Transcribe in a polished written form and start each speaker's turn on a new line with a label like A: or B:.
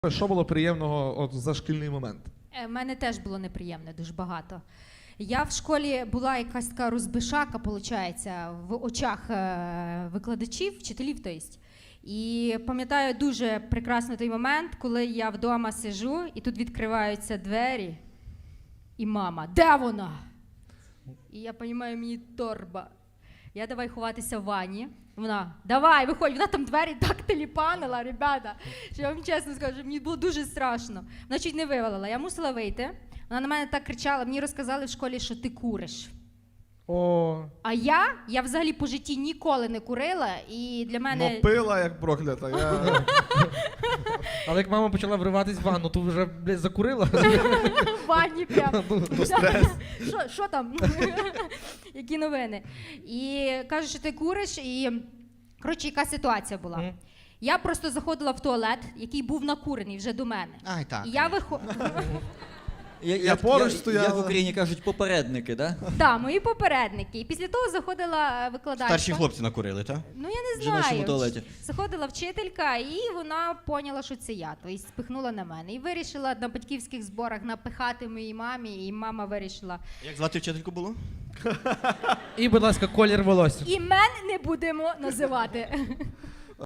A: Що було приємного за шкільний момент?
B: У мене теж було неприємне, дуже багато. Я в школі була якась така розбишака, виходить, в очах викладачів, вчителів, тобто. І пам'ятаю дуже прекрасно той момент, коли я вдома сижу, і тут відкриваються двері, і мама, де вона? І я розумію, мені торба. Я давай ховатися в ванні. Вона, давай, виходь, вона там двері так теліпанила, ребята, що я вам чесно скажу, мені було дуже страшно. Вона чуть не вивалила, я мусила вийти. Вона на мене так кричала, мені розказали в школі, що ти куриш.
A: О.
B: А я взагалі по житті ніколи не курила, і для мене...
A: Ну пила як проклята.
C: Але як мама почала вриватись в ванну, то вже, блядь, закурила.
B: В ванні прям.
A: Стрес.
B: Що там? Які новини? І каже, що ти куриш, і, коротше, яка ситуація була. Я просто заходила в туалет, який був накурений вже до мене.
D: Ай, так.
B: І я виходила...
A: Я поруч стояла.
E: Як в Україні кажуть, попередники, да?
B: Так, мої попередники. І після того заходила викладачка.
D: Старші хлопці накурили, так?
B: Ну, я не
E: В жіночому
B: знаю.
E: туалеті.
B: Заходила вчителька, і вона поняла, що це я. Тобто спихнула на мене. І вирішила на батьківських зборах напихати моїй мамі, і мама вирішила.
D: Як звати вчительку було?
C: І, будь ласка, колір волосся.
B: Імен не будемо називати.